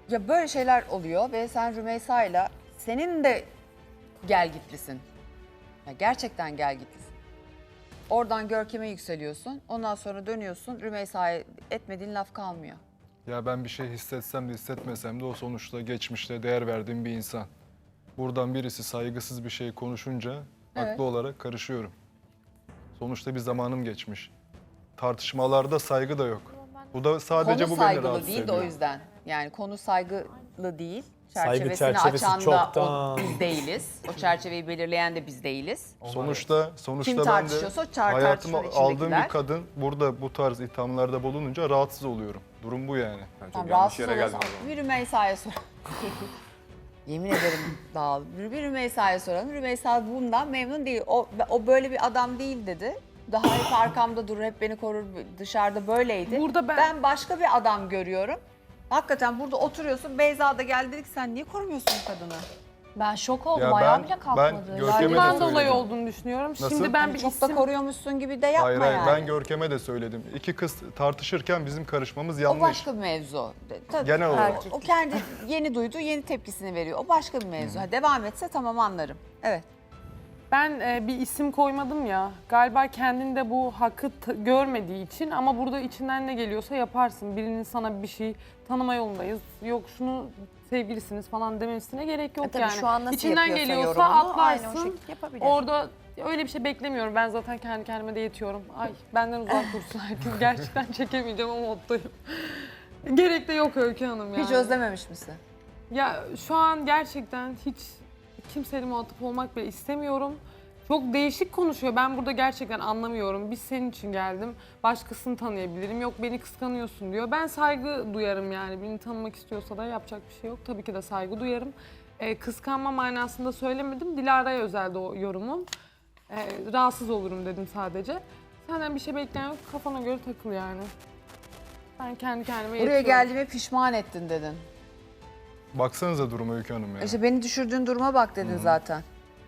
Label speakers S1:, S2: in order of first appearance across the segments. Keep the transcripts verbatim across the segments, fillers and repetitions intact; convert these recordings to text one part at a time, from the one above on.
S1: Ya böyle şeyler oluyor ve sen Rümeysa'yla senin de gel gitlisin. Ya gerçekten gel gitlisin. Oradan Görkem'e yükseliyorsun. Ondan sonra dönüyorsun. Rümeysa'ya etmediğin laf kalmıyor.
S2: Ya ben bir şey hissetsem de hissetmesem de o sonuçta geçmişte değer verdiğim bir insan. Buradan birisi saygısız bir şey konuşunca
S1: Evet.
S2: haklı olarak karışıyorum. Sonuçta bir zamanım geçmiş. Tartışmalarda saygı da yok. Bu da sadece
S1: Konu
S2: bu beni
S1: saygılı
S2: rahatsız
S1: değil de
S2: ediyor.
S1: o yüzden. Yani konu saygılı değil.
S3: Saygı
S1: Çerçevesini
S3: çerçevesi
S1: açan da
S3: çoktan.
S1: o, biz değiliz. O çerçeveyi belirleyen de biz değiliz.
S2: Sonuçta sonuçta
S1: Kim
S2: ben de
S1: tartışıyorsa o çar-
S2: hayatıma
S1: tartışmanın
S2: aldığım
S1: içindekiler.
S2: bir kadın burada bu tarz ithamlarda bulununca rahatsız oluyorum. Durum bu yani.
S4: Ben çok
S1: Tamam,
S4: yanlış
S1: rahatsız
S4: yere geldim.
S1: olursan
S4: o zaman.
S1: bir Rümeysa'ya sor. Yemin ederim dağıldım. Bir Rümeysa'ya soralım. Rümeysa bundan memnun değil. O, o böyle bir adam değil dedi. Daha hep arkamda durur, hep beni korur, dışarıda böyleydi.
S5: Burada ben-
S1: ben başka bir adam görüyorum. Hakikaten burada oturuyorsun, Beyza da geldi dedi ki sen niye korumuyorsun bu kadını?
S6: Ben şok oldum.
S2: Ya
S6: Ayağa
S2: ben-
S6: bile
S2: ben
S6: kalkmadı.
S2: Görkem'e de
S5: Bundan dolayı
S2: söyledim.
S5: olduğunu düşünüyorum.
S2: Nasıl?
S5: Şimdi ben
S1: Yani
S5: bir
S1: çok
S5: isim...
S1: da koruyormuşsun gibi de yapma
S2: Hayır hayır
S1: yani.
S2: ben Görkem'e de söyledim. İki kız tartışırken bizim karışmamız yanlış.
S1: O başka bir mevzu. Tabii,
S2: Genel olarak.
S1: O, o kendi yeni duyduğu yeni tepkisini veriyor. O başka bir mevzu. Ha, devam etse tamam anlarım. Evet.
S5: Ben e, bir isim koymadım ya. Galiba kendinde bu hakkı t- görmediği için ama burada içinden ne geliyorsa yaparsın. Birinin sana bir şey tanıma yolundayız. Yok şunu sevgilisiniz falan demesine gerek yok
S6: E tabii
S5: yani.
S6: şu an nasıl
S5: İçinden
S6: yapıyorsa
S5: geliyorsa
S6: yorumunu aynı o
S5: atlarsın.
S6: şekilde yapabilir.
S5: Orada öyle bir şey beklemiyorum. Ben zaten kendi kendime de yetiyorum. Ay benden uzak dursun herkes. Gerçekten çekemeyeceğim o moddayım. Gerek de yok Öykü Hanım yani.
S1: Hiç özlememiş misin?
S5: Ya şu an gerçekten hiç kimseyle muhatap olmak bile istemiyorum. Çok değişik konuşuyor. Ben burada gerçekten anlamıyorum. Biz senin için geldim. Başkasını tanıyabilirim. Yok beni kıskanıyorsun diyor. Ben saygı duyarım yani. Beni tanımak istiyorsa da yapacak bir şey yok. Tabii ki de saygı duyarım. Ee, kıskanma manasında söylemedim. Dilara'ya özelde o yorumum. Ee, rahatsız olurum dedim sadece. Senden bir şey bekleyen yok. Kafana göre takıl yani. Ben kendi kendime
S1: Buraya
S5: yetiyorum.
S1: geldiğime pişman ettin dedin.
S2: Baksanıza duruma Öykü Hanım ya.
S1: İşte beni düşürdüğün duruma bak dedin zaten.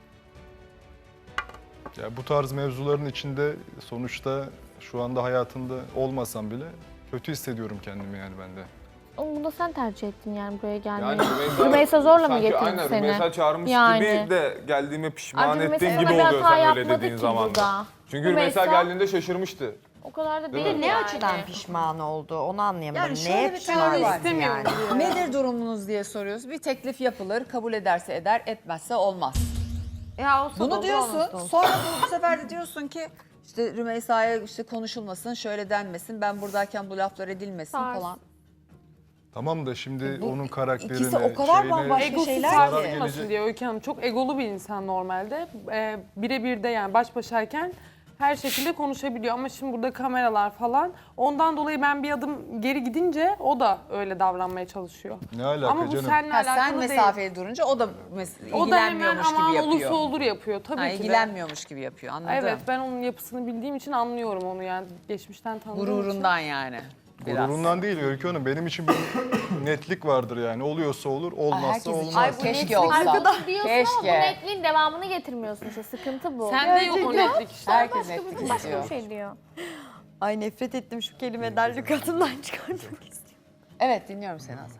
S2: Ya bu tarz mevzuların içinde sonuçta şu anda hayatında olmasam bile kötü hissediyorum kendimi yani ben de.
S7: Ama bunu da sen tercih ettin yani buraya gelmeyi.
S4: Yani Rümeysa,
S7: Rümeysa zorla mı
S4: sanki
S7: getirdi
S4: aynen,
S7: seni?
S4: Rümeysa çağırmış
S7: Yani.
S4: gibi de geldiğime pişman
S7: Ayrıca
S4: ettiğin
S7: Rümeysa
S4: gibi
S7: sana bir
S4: oluyor
S7: hata
S4: sen öyle
S7: yapmadı
S4: dediğin
S7: ki
S4: zaman da.
S7: burada.
S4: Çünkü Rümeysa
S7: Rümeysa-
S4: geldiğinde şaşırmıştı.
S7: O kadar da
S4: Değil
S7: değil
S4: mi?
S6: Ne
S7: yani.
S6: açıdan pişman oldu onu anlayamadım.
S1: Yani şöyle
S6: Neye
S1: bir
S6: pişman
S1: teori var.
S6: ettin
S5: İstemiyorum
S6: yani?
S5: diyor.
S1: Nedir durumunuz diye soruyoruz. Bir teklif yapılır, kabul ederse eder, etmezse olmaz.
S7: Ya olsa da
S1: Bunu
S7: olur,
S1: diyorsun,
S7: olmasa da olur.
S1: sonra bu, bu sefer de diyorsun ki işte Rümeysa'ya işte konuşulmasın, şöyle denmesin, ben buradayken bu laflar edilmesin
S7: Tars.
S1: falan.
S2: Tamam da şimdi
S1: Bu
S2: onun karakterine,
S1: ikisi o kadar
S2: şeyine,
S1: bambaşka
S5: Egosu
S1: şeyler
S2: zarar
S1: ki.
S5: sarsılmasın
S2: gelecek.
S5: diye Öykü Hanım. Çok egolu bir insan normalde. Ee, birebir de yani baş başayken her şekilde konuşabiliyor. Ama şimdi burada kameralar falan. Ondan dolayı ben bir adım geri gidince o da öyle davranmaya çalışıyor.
S2: Ne alaka
S5: Ama bu
S2: canım?
S5: seninle
S1: Ha,
S5: alakalı
S1: sen
S5: değil.
S1: mesafeli durunca o da mes-
S5: O da hemen
S1: ilgilenmiyormuş
S5: aman
S1: gibi
S5: olursa
S1: yapıyor.
S5: olur yapıyor tabii
S1: Ha,
S5: ki de.
S1: ilgilenmiyormuş gibi yapıyor, anladım.
S5: Evet ben onun yapısını bildiğim için anlıyorum onu yani geçmişten tanıdığım için.
S1: Gururundan yani. Biraz.
S2: Gururundan değil Öykü Hanım. Benim için bir netlik vardır yani. Oluyorsa olur, olmazsa
S1: herkes için.
S2: olmaz.
S1: Ay, bu keşke olsa.
S7: Arkadaş diyorsun ama bu
S1: Keşke.
S7: netliğin devamını getirmiyorsun işte sıkıntı bu.
S5: Sen de yok o netlik işte.
S1: Herkes
S7: başka
S1: netlik
S7: bir, başka
S1: istiyor.
S7: bir şey diyor.
S6: Ay nefret ettim şu kelimeden lükatımdan çıkartmak istiyorum.
S1: Evet dinliyorum seni Azam.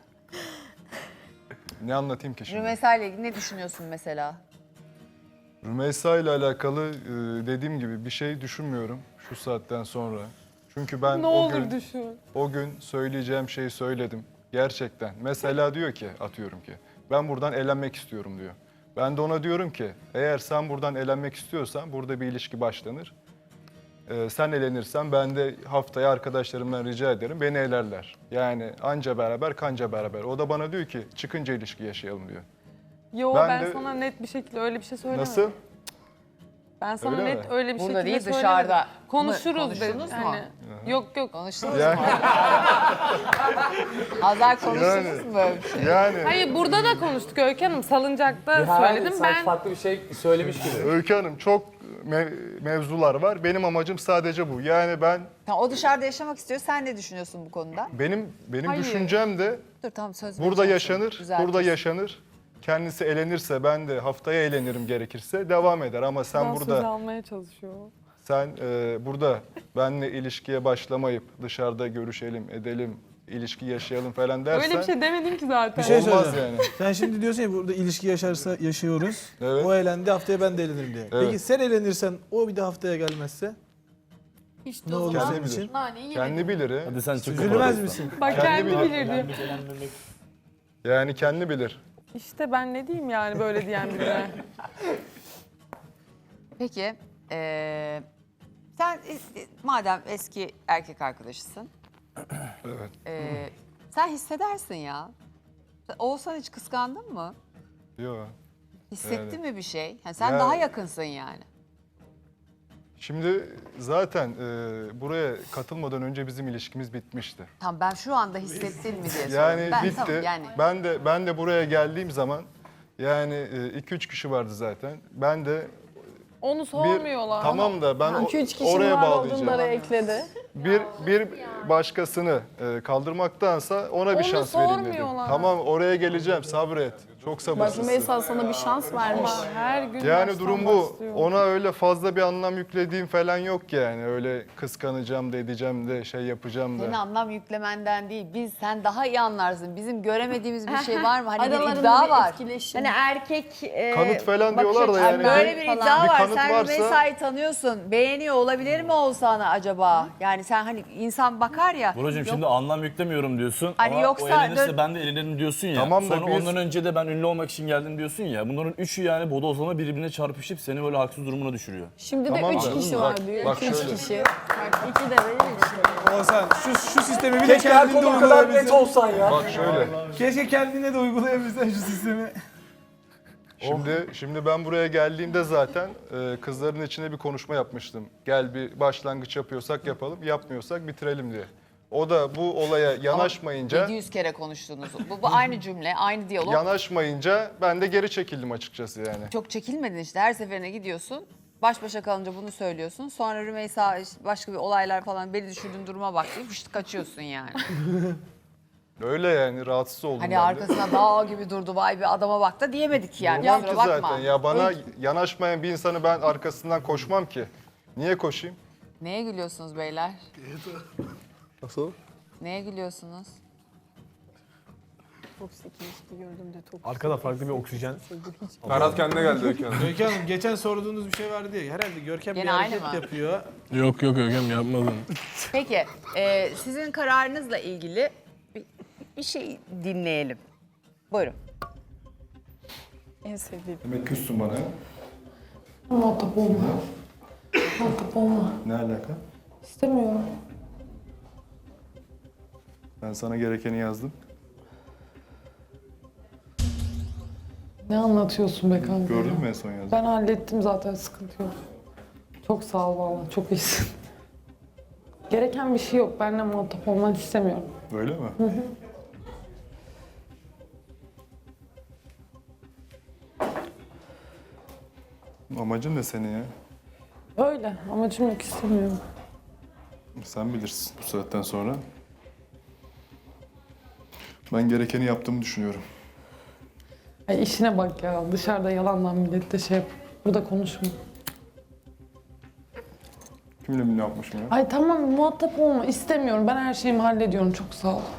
S2: Ne anlatayım ki şimdi?
S1: Rümeysa ile ilgili ne düşünüyorsun mesela?
S2: Rümeysa ile alakalı e, dediğim gibi bir şey düşünmüyorum şu saatten sonra. Çünkü ben
S5: Ne
S2: o
S5: olur
S2: gün
S5: düşün.
S2: o gün söyleyeceğim şeyi söyledim. Gerçekten. Mesela diyor ki, atıyorum ki, ben buradan elenmek istiyorum diyor. Ben de ona diyorum ki, eğer sen buradan elenmek istiyorsan burada bir ilişki başlanır. Ee, sen elenirsen ben de haftaya arkadaşlarımdan rica ederim, beni elerler. Yani anca beraber kanca beraber. O da bana diyor ki, çıkınca ilişki yaşayalım diyor.
S5: Yo
S2: Ben
S5: ben,
S2: de-
S5: sana net bir şekilde öyle bir şey söylemedim.
S2: Nasıl?
S5: Ben sana
S2: Öyle
S5: net
S2: mi?
S5: öyle bir
S1: Burada
S5: şekilde
S1: değil,
S5: söylemedim.
S1: dışarıda mı?
S5: Konuşuruz dedim.
S1: Konuştunuz mu?
S5: Hani, yok yok.
S1: Konuştunuz
S2: Yani-
S1: mu? Azar konuştunuz
S2: Yani-
S1: mu böyle bir şey?
S2: Yani
S5: Hayır burada da konuştuk Öykü Hanım. Salıncakta söyledim
S3: Sanki
S5: ben.
S3: farklı bir şey söylemiş gibi.
S2: Öykü Hanım çok mev- mevzular var. Benim amacım sadece bu. Yani ben,
S1: Tamam, o dışarıda yaşamak istiyor. Sen ne düşünüyorsun bu konuda?
S2: benim benim
S5: Hayır.
S2: düşüncem de
S1: Dur tamam söz
S2: burada
S1: vereceğim
S2: yaşanır,
S1: sana. Düzeltirsin.
S2: burada yaşanır. Kendisi elenirse ben de haftaya eğlenirim gerekirse devam eder. Ama sen
S5: Ben söz
S2: burada
S5: almaya çalışıyor.
S2: sen e, burada benle ilişkiye başlamayıp dışarıda görüşelim, edelim ilişki yaşayalım falan dersen
S5: Öyle bir şey demedin ki zaten.
S3: Bir şey
S2: olmaz
S3: söyleyeceğim.
S2: yani.
S3: Sen şimdi diyorsun ya burada ilişki yaşarsa yaşıyoruz.
S2: Evet.
S3: O eğlendi haftaya ben de eğlenirim diye.
S2: Evet.
S3: Peki sen eğlenirsen o bir de haftaya gelmezse
S1: İşte
S3: ne
S1: o
S3: olur
S1: zaman
S3: senin için?
S1: naneyi
S2: Kendi
S1: yemedim.
S2: bilir. he.
S8: Hadi sen çık.
S3: Üzülmez misin?
S5: Bak
S2: Kendi
S5: kendi
S2: bilir.
S5: bilirdi.
S2: Yani kendi bilir.
S5: İşte ben ne diyeyim yani böyle diyen birine.
S1: Peki eee, sen es- madem eski erkek arkadaşısın,
S2: Evet.
S1: eee, sen hissedersin ya. Oğuzhan hiç kıskandın mı?
S2: Yok.
S1: Hissettin
S2: Evet.
S1: mi bir şey? Ha, sen
S2: Ya-
S1: daha yakınsın yani.
S2: Şimdi zaten e, buraya katılmadan önce bizim ilişkimiz bitmişti.
S1: Tamam ben şu anda hissettin mi diye soruyorum.
S2: Yani
S1: ben,
S2: bitti.
S1: Tamam, yani
S2: Ben de ben de buraya geldiğim zaman yani iki üç kişi vardı zaten. Ben de
S5: Onu
S2: bir
S5: sormuyorlar.
S2: tamam da ben o-
S9: iki üç kişi
S2: oraya
S9: var
S2: bağlayacağım.
S9: olduğunları ekledi.
S2: Bir bir başkasını e, kaldırmaktansa ona bir
S5: Onu
S2: şans vereyim dedim.
S5: sormuyorlar.
S2: Tamam oraya geleceğim. Sabret. Çok
S9: Bak
S2: sabırsızsın.
S9: Rümeysa sana bir şans vermiş.
S5: Ama her gün
S2: Yani
S5: baştan
S2: durum bu.
S5: başlıyor.
S2: Ona öyle fazla bir anlam yüklediğim falan yok yani. Öyle kıskanacağım da edeceğim de şey yapacağım
S1: senin
S2: da.
S1: anlam yüklemenden değil. Biz sen daha iyi anlarsın. Bizim göremediğimiz bir şey var mı? Hani bir
S9: Aralarında
S1: iddia
S9: bir
S1: var.
S9: etkileşim.
S6: Hani erkek e,
S2: Kanıt falan
S6: bakış
S2: diyorlar da
S6: açısı
S2: yani
S1: Böyle bir
S6: falan.
S1: iddia
S2: Bir
S1: var.
S2: kanıt
S1: Sen
S2: varsa-
S1: Rümeysa'yı tanıyorsun. Beğeniyor olabilir mi Oğuzhan'ı acaba? Yani sen hani insan bakar ya.
S8: Buracığım
S1: yok,
S8: şimdi anlam yüklemiyorum diyorsun
S1: Hani
S8: ama
S1: yoksa
S8: o eğlenirse
S1: dön-
S8: ben de eğlenirim diyorsun ya.
S2: Tamam da
S8: Sonra
S2: biz-
S8: ondan önce de ben ünlü olmak için geldim diyorsun ya. Bunların üçü yani bodozlama birbirine çarpışıp seni böyle haksız durumuna düşürüyor.
S9: Şimdi de
S2: Tamam
S9: üç
S2: da-
S9: kişi
S2: Bak-
S9: var diyor.
S2: bak
S9: iki üç
S2: şöyle.
S9: kişi. Bak iki de benim işte.
S3: Oğuzhan şu, şu sistemi bir de kendinde uygulayabilsen.
S8: olsan ya.
S2: Bak şöyle.
S3: Keşke kendine de uygulayabilsen şu sistemi.
S2: Şimdi şimdi ben buraya geldiğimde zaten e, kızların içine bir konuşma yapmıştım. Gel bir başlangıç yapıyorsak yapalım, yapmıyorsak bitirelim diye. O da bu olaya yanaşmayınca
S1: yedi yüz kere konuştunuz. Bu, bu aynı cümle, aynı diyalog.
S2: yanaşmayınca ben de geri çekildim açıkçası yani.
S1: Çok çekilmedin işte. Her seferine gidiyorsun. Baş başa kalınca bunu söylüyorsun. Sonra Rümeysa işte başka bir olaylar falan beni düşürdüğün duruma bak deyip fışt kaçıyorsun yani.
S2: Öyle yani rahatsız oldum
S1: Hani
S2: ben de.
S1: arkasına dağ gibi durdu vay bir adama bak da diyemedik yani.
S2: Durmam
S1: Kusura
S2: ki
S1: bakma.
S2: zaten ya bana yanaşmayan bir insanı ben arkasından koşmam ki. Niye koşayım?
S1: Neye gülüyorsunuz beyler?
S4: Nasıl?
S1: Neye gülüyorsunuz?
S9: Toksik ilişki gördüm de toksik.
S10: Arkada farklı bir oksijen.
S4: Ferhat kendine geldi Öykü Hanım.
S3: Öykü Hanım geçen sorduğunuz bir şey vardı ya. Herhalde Görkem
S1: Gene
S3: bir hareket
S1: aynı mı?
S3: yapıyor.
S10: Yok yok Ögem yapmadın.
S1: Peki e, sizin kararınızla ilgili bir, bir şey dinleyelim. Buyurun.
S9: En sevdiğim.
S2: Demek küssün bana.
S5: Muhatap olma. Muhatap olma.
S2: Ne alaka?
S5: İstemiyorum.
S2: Ben sana gerekeni yazdım.
S5: Ne anlatıyorsun be kanka?
S2: Gördün mü en son yazdım?
S5: Ben hallettim zaten, sıkıntı yok. Çok sağ ol valla, çok iyisin. Gereken bir şey yok. Benimle muhatap olmanı istemiyorum.
S2: Öyle mi? Amacın ne senin ya?
S5: Öyle. Amacım yok, istemiyorum.
S2: Sen bilirsin bu saatten sonra. Ben gerekeni yaptığımı düşünüyorum.
S5: Ay işine bak ya. Dışarıda yalandan millette şey yap. Burada konuşma.
S2: Kimle ne yapmışım ya?
S5: Ay tamam, muhatap olma. İstemiyorum. Ben her şeyimi hallediyorum. Çok sağ ol.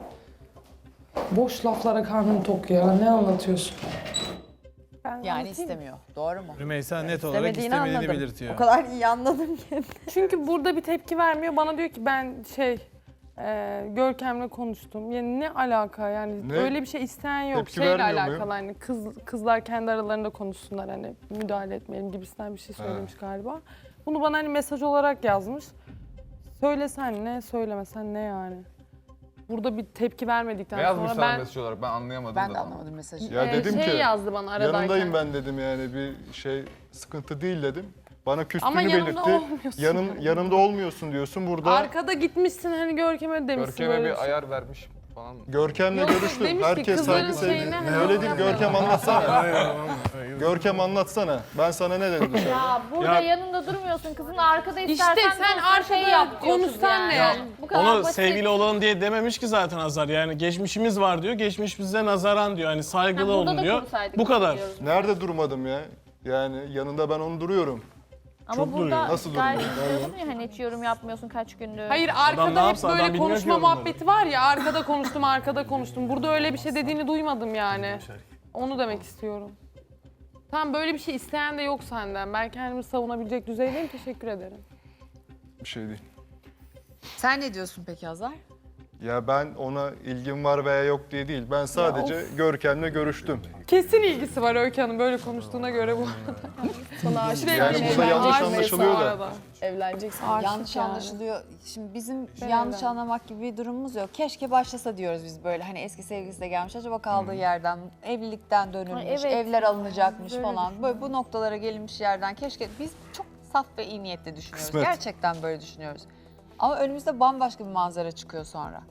S5: Boş laflara karnım tok ya. Ne anlatıyorsun?
S1: Yani istemiyor. Doğru mu?
S3: Rümeysa net olarak
S6: İstemediğini
S3: istemediğini
S6: anladım.
S3: belirtiyor.
S6: O kadar iyi anladım ki.
S5: Çünkü burada bir tepki vermiyor. Bana diyor ki ben şey e, Görkem'le konuştum. Yani ne alaka yani?
S2: Ne?
S5: Öyle bir şey isteyen yok.
S2: Tepki
S5: Şeyle
S2: vermiyor
S5: alakalı
S2: muyum?
S5: hani kız kızlar kendi aralarında konuşsunlar, hani müdahale etmeyelim gibisinden bir şey söylemiş galiba. Bunu bana hani mesaj olarak yazmış. Söylesen ne, söylemesen ne yani? Burada bir tepki vermedikten
S4: Ne yazmış
S5: sonra
S4: sana
S5: ben
S4: mesaj olarak? Ben anlayamadım
S1: Ben
S4: da
S1: de
S4: tam.
S1: anlamadım mesajı.
S2: Ya
S5: e,
S2: dedim
S5: şey
S2: ki
S5: yazdı bana aradayken.
S2: yanındayım ben dedim yani bir şey sıkıntı değil dedim. Bana küstüğünü
S5: Ama yanımda
S2: belirtti.
S5: olmuyorsun.
S2: Yanın, yanımda olmuyorsun diyorsun burada.
S5: Arkada gitmişsin hani Görkem'e demişsin
S4: Görkem'e
S5: böyle
S4: bir
S5: şey.
S4: ayar vermiş falan mı?
S2: Görkem'le
S5: Yok, yok,
S2: görüştüm.
S5: demiş ki
S2: Herkes
S5: kızların
S2: saygı sevdi.
S5: şeyine hani
S2: Öyle değil
S5: yapmayalım.
S2: Görkem anlatsana. Görkem anlatsana. Ben sana ne dedim dışarı?
S7: Ya burada
S10: Ya-
S7: yanında durmuyorsun. Kızın arkada
S5: İşte
S7: istersen
S5: sen
S7: dön,
S5: arkada
S7: şey yap diyor kız
S5: konuşsan
S7: yani.
S5: ne yani?
S7: Bu kadar
S10: Onu
S7: basit.
S10: sevgili olalım diye dememiş ki zaten Azar. Yani geçmişimiz var diyor. Geçmiş bize nazaran diyor. Hani
S7: Ha,
S10: saygılı
S7: burada
S10: olun
S7: da
S10: diyor.
S7: konuşsaydık
S10: Bu kadar.
S7: diyoruz.
S2: Nerede durmadım ya? Yani yanında ben onu duruyorum.
S7: Ama
S10: Çok
S7: burada
S10: duruyor.
S2: Nasıl
S7: gayet
S2: duruyor?
S7: diyordun ya hani hiç yorum yapmıyorsun kaç gündür.
S5: Hayır
S10: Adam ne
S5: arkada hep
S10: yapsa adam
S5: böyle
S10: bilmiyor
S5: konuşma
S10: ki bunları.
S5: muhabbeti var ya arkada konuştum arkada konuştum. Burada öyle bir şey dediğini duymadım yani. Onu demek istiyorum. Tamam böyle bir şey isteyen de yok senden. Ben kendimi savunabilecek düzeydeyim. Teşekkür ederim.
S2: Bir şey değil.
S1: Sen ne diyorsun peki Hazar?
S2: Ya ben ona ilgim var veya yok diye değil. Ben sadece Görkem'le görüştüm.
S5: Kesin ilgisi var Öykü Hanım böyle konuştuğuna göre bu.
S9: Sana aşık
S2: Yani
S9: olan
S2: burada yanlış
S9: evleneceksin.
S2: anlaşılıyor da.
S5: Arada.
S9: Evleneceksin.
S5: Aşık
S1: Yanlış
S5: yani.
S1: anlaşılıyor. Şimdi bizim
S5: Ben
S1: yanlış
S5: evlendim.
S1: anlamak gibi bir durumumuz yok. Keşke başlasa diyoruz biz böyle. Hani eski sevgilisi de gelmiş. Acaba kaldığı yerden, evlilikten dönülmüş,
S7: Ay, evet.
S1: evler alınacakmış
S7: Böyle
S1: falan. Böyle bu noktalara gelinmiş yerden keşke biz çok saf ve iyi niyetle düşünüyoruz.
S2: Kısmet.
S1: Gerçekten böyle düşünüyoruz. Ama önümüzde bambaşka bir manzara çıkıyor sonra.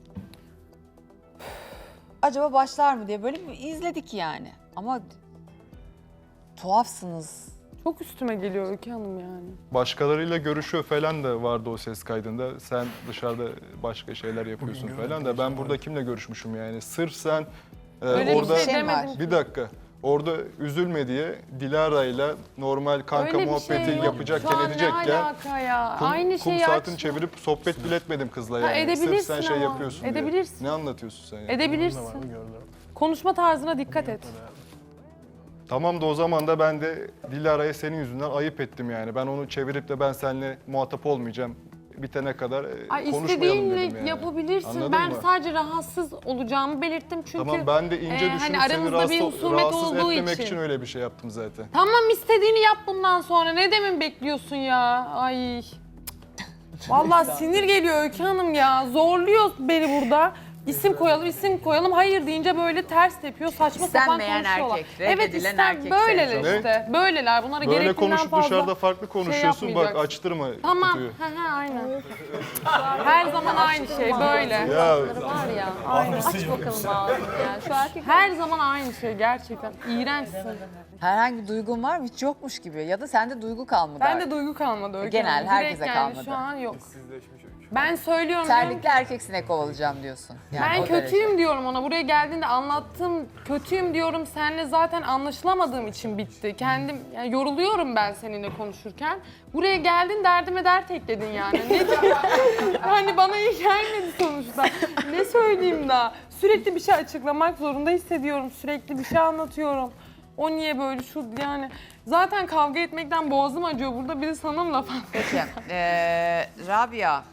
S1: Acaba başlar mı diye böyle bir izledik yani. Ama tuhafsınız.
S5: Çok üstüme geliyor Öykü Hanım yani.
S2: Başkalarıyla görüşüyor falan da vardı o ses kaydında. Sen dışarıda başka şeyler yapıyorsun falan da ben burada kimle görüşmüşüm yani. Sırf sen e,
S5: Öyle
S2: orada
S5: bir şey
S1: Şey var.
S5: demedim.
S2: bir dakika. Orada üzülme diye Dilara'yla normal kanka
S5: Öyle bir
S2: muhabbeti
S5: şey yok.
S2: yapacakken
S5: Şu an
S2: edecekken
S5: ne alaka ya?
S2: kum,
S5: Aynı
S2: kum
S5: şeyi
S2: saatini
S5: aç.
S2: çevirip sohbet bile etmedim kızla
S5: Ha,
S2: yani. Sırf
S5: edebilirsin
S2: sen şey
S5: ama.
S2: yapıyorsun diye.
S5: Edebilirsin.
S2: Ne anlatıyorsun sen ya?
S5: Edebilirsin. Konuşma tarzına dikkat et.
S2: Tamam da o zaman da ben de Dilara'ya senin yüzünden ayıp ettim yani. Ben onu çevirip de ben seninle muhatap olmayacağım. Bitene kadar e,
S5: Ay
S2: konuşmayalım
S5: istediğinle
S2: dedim yani.
S5: yapabilirsin.
S2: Anladın
S5: ben
S2: mı?
S5: sadece rahatsız olacağımı belirttim çünkü.
S2: Tamam ben de ince
S5: e,
S2: düşünüp
S5: hani
S2: seni
S5: aramızda
S2: rahatsız,
S5: bir husumet
S2: rahatsız
S5: olduğu
S2: etmemek
S5: için.
S2: için öyle bir şey yaptım zaten.
S5: Tamam istediğini yap bundan sonra. Ne demin bekliyorsun ya? Ay. Vallahi sinir geliyor Öykü Hanım ya. Zorluyor beni burada. İsim koyalım, isim koyalım. Hayır deyince böyle ters tepiyor. Saçma sapan
S1: İstenmeyen
S5: konuşuyorlar.
S1: erkek,
S5: Evet
S1: reddedilen
S5: isten
S1: erkek
S5: böyleler
S2: sendromu.
S5: işte. Böyleler. Bunlara
S2: Böyle
S5: gerektiğinden
S2: konuşup
S5: fazla.
S2: dışarıda farklı konuşuyorsun bak
S5: yapmayacaksın.
S2: açtırma
S5: Tamam.
S2: kutuyu.
S5: He he aynen. Her zaman aynı şey böyle.
S2: Ya
S7: Var ya. Aç bakalım ağzını ya. Şu erkek
S5: Her zaman aynı şey gerçekten. İğrençsin.
S1: Herhangi bir duygun var mı? Hiç yokmuş gibi. Ya da sende duygu kalmadı.
S5: Bende
S1: artık.
S5: duygu kalmadı Öykü
S1: Genel,
S5: Hanım. Direkt
S1: herkese
S5: yani
S1: kalmadı.
S5: Şu an yok.
S4: Sizleşmiş öykü.
S5: Ben söylüyorum. diyorum
S1: Terlikli
S5: ki,
S1: erkek sinek kovalayacağım diyorsun. Yani
S5: ben
S1: o derece.
S5: kötüyüm diyorum ona. Buraya geldiğinde anlattım. Kötüyüm diyorum. Seninle zaten anlaşılamadığım için bitti. Kendim yani yoruluyorum ben seninle konuşurken. Buraya geldin derdime dert ekledin yani. Ne hani bana iyi gelmedi sonuçta. Ne söyleyeyim daha? Sürekli bir şey açıklamak zorunda hissediyorum. Sürekli bir şey anlatıyorum. O niye böyle şu yani. Zaten kavga etmekten boğazım acıyor burada. Bir de sana mı laf
S1: Peki. Ee, Rabia,